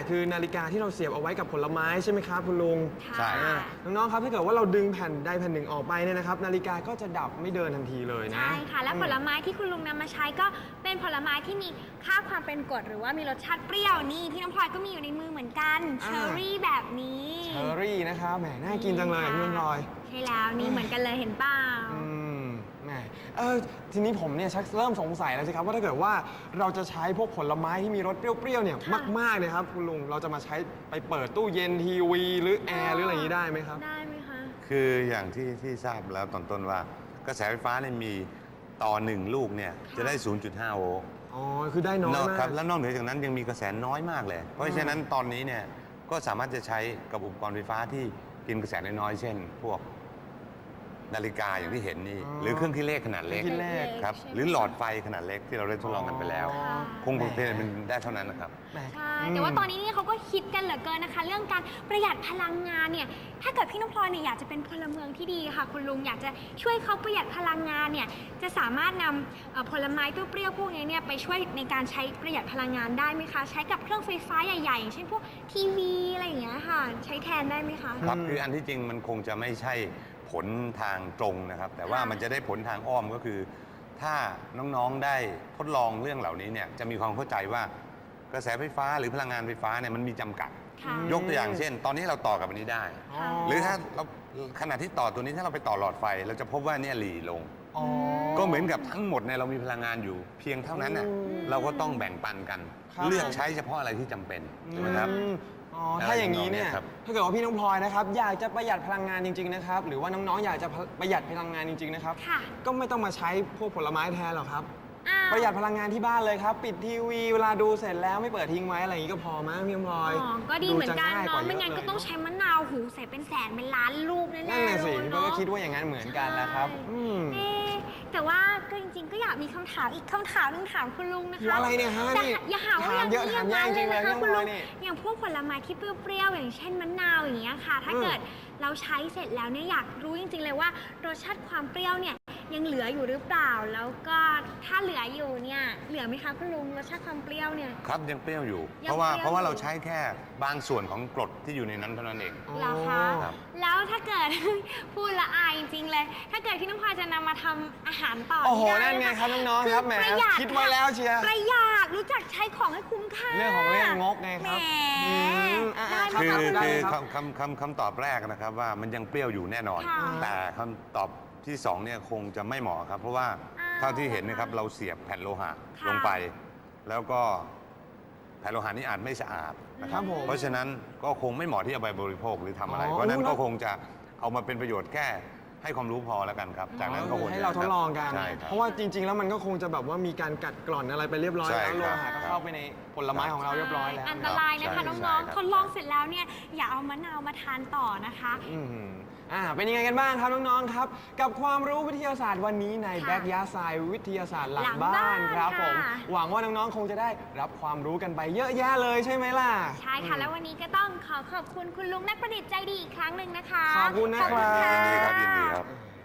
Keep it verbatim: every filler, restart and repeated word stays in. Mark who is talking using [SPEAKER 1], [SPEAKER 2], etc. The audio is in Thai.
[SPEAKER 1] คือนาฬิกาที่เราเสียบเอาไว้กับผลไม้ใช่ไหมครับคุณลุง
[SPEAKER 2] ใช่
[SPEAKER 1] อ่าน้องๆครับถ้าเกิดว่าเราดึงแผ่นใดแผ่นหนึ่งออกไปเนี่ยนะครับนาฬิกาก็จะดับไม่เดินทันทีเลยนะ
[SPEAKER 3] ใช่ค่ะและผลไม้ที่คุณลุงนำมาใช้ก็เป็นผลไม้ที่มีค่าความเป็นกรดหรือว่ามีรสชาติเปรี้ยวนี่พี่น้ำพลอยก็มีอยู่ในมือเหมือนกันเชอร์รี่แบบนี้
[SPEAKER 1] เชอร์รี่นะครับแหมน่ากินจังเลยพี่น้ำพลอย
[SPEAKER 3] ใช่แล้วนี่เหมือนกันเลยเห็นเปล่า
[SPEAKER 1] อืมแหมเออทีนี้ผมเนี่ยชักเริ่มสงสัยแล้วสิครับว่าถ้าเกิดว่าเราจะใช้พวกผลไม้ที่มีรสเปรี้ยวๆเนี่ย
[SPEAKER 3] ค่ะ
[SPEAKER 1] มากๆเลยครับคุณลุงเราจะมาใช้ไปเปิดตู้เย็นทีวีหรือแอร์หรืออะไรอย่างนี้ได้ไหมครับ
[SPEAKER 3] ได้ไหมคะ
[SPEAKER 2] คืออย่างที่ที่ทราบแล้วตอนต้นว่ากระแสไฟฟ้าเนี่ยมีต่อหนึ่งลูกเนี่ยจะได้ ศูนย์จุดห้า โวลต์
[SPEAKER 1] อ๋อคือได้น้อย
[SPEAKER 2] นอก
[SPEAKER 1] มา
[SPEAKER 2] ครั
[SPEAKER 1] ก
[SPEAKER 2] บแล้วนอกเหนือจากนั้นยังมีกระแสน้อยมากเลย เพราะฉะนั้นตอนนี้เนี่ยก็สามารถจะใช้กับอุปกรณ์ไฟฟ้าที่กินกระแสน้อยๆเช่น พวกนาฬิกาอย่างที่เห็นนี่
[SPEAKER 1] อ๋อ
[SPEAKER 2] หรือเครื่องคิดเลขขนาดเล็ก
[SPEAKER 1] เครื่องคิดเลข
[SPEAKER 2] ครับ
[SPEAKER 3] ใช่ไหม
[SPEAKER 2] หรือหลอดไฟขนาดเล็กที่เราได้ทดลองกันไปแล้ว
[SPEAKER 3] ค่ะ
[SPEAKER 2] คงเป็นเป็นได้เท่านั้นนะครับ
[SPEAKER 1] แหม
[SPEAKER 3] ใช่แต่ว่าตอนนี้เนี่ยเขาก็คิดกันเหลือเกินนะคะ เรื่องการประหยัดพลังงานเนี่ยถ้าเกิดพี่น้องพลอยเนี่ยอยากจะเป็นพลเมืองที่ดีค่ะ คุณลุงอยากจะช่วยเขาประหยัดพลังงานเนี่ยจะสามารถนำเอ่อผลไม้เปรี้ยวๆพวกนี้เนี่ยไปช่วยในการใช้ประหยัดพลังงานได้ไหมคะใช้กับเครื่องไฟฟ้าใหญ่ๆอย่างเช่นพวกทีวีอะไรอย่างเงี้ยค่ะใช้แทนได้ไหมคะ
[SPEAKER 2] ครับคืออันที่จริงมันคงจะไม่ใช่ผลทางตรงนะครับ แต่ว่า
[SPEAKER 3] ค่ะ
[SPEAKER 2] มันจะได้ผลทางอ้อมก็คือ ถ้าน้องๆได้ทดลองเรื่องเหล่านี้เนี่ยจะมีความเข้าใจว่ากระแสไฟฟ้าหรือพลังงานไฟฟ้าเนี่ยมันมีจำกัด
[SPEAKER 3] ค่ะ
[SPEAKER 2] ยกตัวอย่างเช่น ตอนนี้เราต่อกับอันนี้ได้
[SPEAKER 1] อ๋อ
[SPEAKER 2] หรือถ้าเราขณะที่ต่อตัวนี้ถ้าเราไปต่อหลอดไฟ เราจะพบว่าเนี่ยหลีลง
[SPEAKER 1] อ๋อ
[SPEAKER 2] ก็เหมือนกับทั้งหมดเนี่ยเรามีพลังงานอยู่ เพียงเท่านั้นน่ะ
[SPEAKER 1] อืม
[SPEAKER 2] เราก็ต้องแบ่งปันกัน
[SPEAKER 1] ครับ
[SPEAKER 2] เลือกใช้เฉพาะอะไรที่จำเป็นใช่ไหมครับ
[SPEAKER 1] อืมอ๋อถ้าอย่างนี้เนี่ย
[SPEAKER 2] ครับ
[SPEAKER 1] ถ้าเกิดว่าพี่น้องพลอยนะครับอยากจะประหยัดพลังงานจริงๆนะครับหรือว่าน้องๆอยากจะประหยัดพลังงานจริงๆนะครับ
[SPEAKER 3] ค่ะ
[SPEAKER 1] ก็ไม่ต้องมาใช้พวกผลไม้แทนหรอกครับ
[SPEAKER 3] อ้าว
[SPEAKER 1] ประหยัดพลังงานที่บ้านเลยครับ ปิดทีวีเวลาดูเสร็จแล้วไม่เปิดทิ้งไว้อะไรอย่างนี้ก็พอมั้งพี่น้องพลอย
[SPEAKER 3] อ๋อก็ดีเหมือนกัน
[SPEAKER 1] ดูจะง่ายก
[SPEAKER 3] เนาะ
[SPEAKER 1] ว่า
[SPEAKER 3] ไม่งั้น
[SPEAKER 1] เย
[SPEAKER 3] ก็
[SPEAKER 1] อะเลย
[SPEAKER 3] ต้องใช้มะนาวหูใส่เป็นแสนเป็นล้านลูกแน่ๆ
[SPEAKER 1] นั่นน่ะสิ
[SPEAKER 3] เลย
[SPEAKER 1] พี่
[SPEAKER 3] เนาะ
[SPEAKER 1] ก็คิดว่าอย่างนั้นเหมือนกันนะครับ
[SPEAKER 3] ใช่
[SPEAKER 1] อืม
[SPEAKER 3] เอ๊ะแต่ว่าก็จริงๆ ก็อยากมีคำถามอีกคำถามหนึงถามคุณลุงนะคะ
[SPEAKER 1] อะไรเนี่ยฮะ
[SPEAKER 3] แต่
[SPEAKER 1] นี่
[SPEAKER 3] อย่าหาว่า
[SPEAKER 1] ถามเยอะ
[SPEAKER 3] ง
[SPEAKER 1] ถามยากจริงๆเลย
[SPEAKER 3] นะคะ
[SPEAKER 1] พี่
[SPEAKER 3] คุณ
[SPEAKER 1] น้
[SPEAKER 3] ลุ
[SPEAKER 1] อง
[SPEAKER 3] ง
[SPEAKER 1] นี่
[SPEAKER 3] อย่างพวกผลไม้ที่เปรี้ยวๆอย่างเช่นมะนาวอย่างเงี้ยค่ะ ถ้า
[SPEAKER 1] อืม
[SPEAKER 3] เกิดเราใช้เสร็จแล้วเนี่ยอยากรู้จริงๆเลยว่ารสชาติความเปรี้ยวเนี่ยยังเหลืออยู่หรือเปล่า แล้วก็ถ้าเหลืออยู่เนี่ยเหลือไหมคะคุณลุงรสชาติความเปรี้ยวเนี่ย
[SPEAKER 2] ครับยังเปรี้ยวอยู่
[SPEAKER 3] ยัง
[SPEAKER 2] เพราะว่า
[SPEAKER 3] เปรี้ยว
[SPEAKER 2] เพราะว่าเรา
[SPEAKER 3] อยู่
[SPEAKER 2] ใช้แค่บางส่วนของกรดที่อยู่ในนั้นเท่านั้นเอง
[SPEAKER 3] เหรอคะ
[SPEAKER 2] ครับ
[SPEAKER 3] แล้วถ้าเกิด พูดละอายจริงๆเลย ถ้าเกิดพี่น้องพลอยจะนำมาทำอาหารต่อ
[SPEAKER 1] โอ้โห
[SPEAKER 3] ด้
[SPEAKER 1] นั่นไงครับน้องๆครับแหม
[SPEAKER 3] ประหยัด
[SPEAKER 1] คิดไว้แล้วเชียร์
[SPEAKER 3] ประหยัดรู้จักใช้ของให้คุ้มค่า
[SPEAKER 1] เรื่องของเรื่องงกไงครับ
[SPEAKER 3] แหม
[SPEAKER 1] อืมอ่ะ
[SPEAKER 3] ได้ไหม
[SPEAKER 2] คือ
[SPEAKER 3] คะคุณ
[SPEAKER 1] ได้
[SPEAKER 2] คือ
[SPEAKER 1] ครับ
[SPEAKER 2] คำคำคำคำตอบแรกนะครับว่ามันยังเปรี้ยวอยู่แน่นอน
[SPEAKER 3] ค่ะ
[SPEAKER 2] แต่คำตอบที่สองเนี่ยคงจะไม่เหมาะครับ เพราะว่า
[SPEAKER 3] อ้าว
[SPEAKER 2] เท่าที่เห็นนะครับเราเสียบแผ่นโลหะ
[SPEAKER 3] ค่ะ
[SPEAKER 2] ลงไป แล้วก็แผ่นโลหะนี้อาจไม่สะอาดนะค
[SPEAKER 1] ครั
[SPEAKER 2] รับ
[SPEAKER 1] บผม
[SPEAKER 2] เพราะฉะนั้นก็คงไม่เหมาะที่จะไปบริโภคหรือทำอะไร
[SPEAKER 1] อ๋อ
[SPEAKER 2] เพราะฉะนั้น
[SPEAKER 1] แล้ว
[SPEAKER 2] ก็คงจะเอามาเป็นประโยชน์แค่ให้ความรู้พอแล้วกันครับ จากนั้นก็ควรจะ
[SPEAKER 1] ให้เราทดลองกัน
[SPEAKER 2] ใช่ครับ
[SPEAKER 1] เพราะว่าจริง ๆ แล้วมันก็คงจะแบบว่ามีการกัดกร่อนอะไรไปเรียบร้อย
[SPEAKER 2] ใช่
[SPEAKER 1] แล้วโล
[SPEAKER 2] ครับ
[SPEAKER 1] หะก็เข้าไปในผลไม้ของเราเรียบร้อยแล้ว
[SPEAKER 3] อันตรายนะคะ
[SPEAKER 2] ใช่
[SPEAKER 3] น้อง
[SPEAKER 2] ใช่
[SPEAKER 3] ๆ
[SPEAKER 2] ครับ
[SPEAKER 3] ทดลองเสร็จแล้วเนี่ยอย่าเอามะนาวมาทานต่อนะคะ
[SPEAKER 1] อืมอ่าเป็นยังไงกันบ้างครับน้องๆครับ กับความรู้วิทยาศาสตร์วันนี้ใน
[SPEAKER 3] ค่ะ
[SPEAKER 1] แบ็กยาไซวิทยาศาสตร์หลั
[SPEAKER 3] หลั
[SPEAKER 1] ง
[SPEAKER 3] ง
[SPEAKER 1] บ้า
[SPEAKER 3] บ้าน น
[SPEAKER 1] ครับผม
[SPEAKER 3] ค่ะ
[SPEAKER 1] หวังว่าน้องๆคงจะได้รับความรู้กันไปเยอะแยะเลยใช่ไหมล่ะ
[SPEAKER 3] ใช่ค่ะ แล้ววันนี้ก็ต้องขอขอบคุณคุณลุงนักประดิษฐ์ใจดีอีกครั้งหนึ่งนะคะ
[SPEAKER 1] ขอบคุณนะครับ
[SPEAKER 3] ขอบคุณค่ะ
[SPEAKER 2] ยินดีครับยินดีครับ